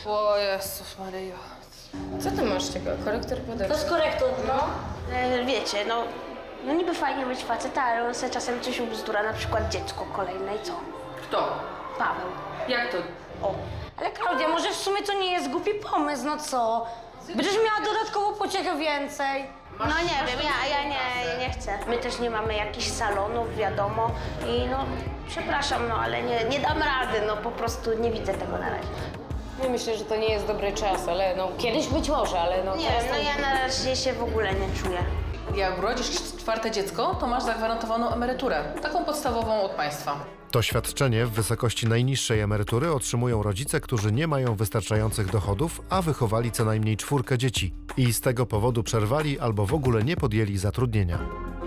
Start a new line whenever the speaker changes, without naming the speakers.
O Jezus Maryjo. Co ty masz tego? Korektor
To
podeszwy?
jest korektor, no.
Wiecie, no niby fajnie być faceta, ale on sobie czasem coś ubzdura, na przykład dziecko kolejne i co?
Kto?
Paweł.
Jak to?
O.
Ale Klaudia, może w sumie to nie jest głupi pomysł, no co? Będziesz miała dodatkową pociechę więcej.
No nie wiem, ja nie chcę. My też nie mamy jakichś salonów, wiadomo. I no, przepraszam, no ale nie dam rady, no po prostu nie widzę tego na razie.
Ja myślę, że to nie jest dobry czas, ale no kiedyś być może, ale no
Nie
teraz
wiem, no ja na razie się w ogóle nie czuję.
Jak urodzisz czwarte dziecko, to masz zagwarantowaną emeryturę. Taką podstawową od państwa.
To świadczenie w wysokości najniższej emerytury otrzymują rodzice, którzy nie mają wystarczających dochodów, a wychowali co najmniej 4 dzieci i z tego powodu przerwali albo w ogóle nie podjęli zatrudnienia.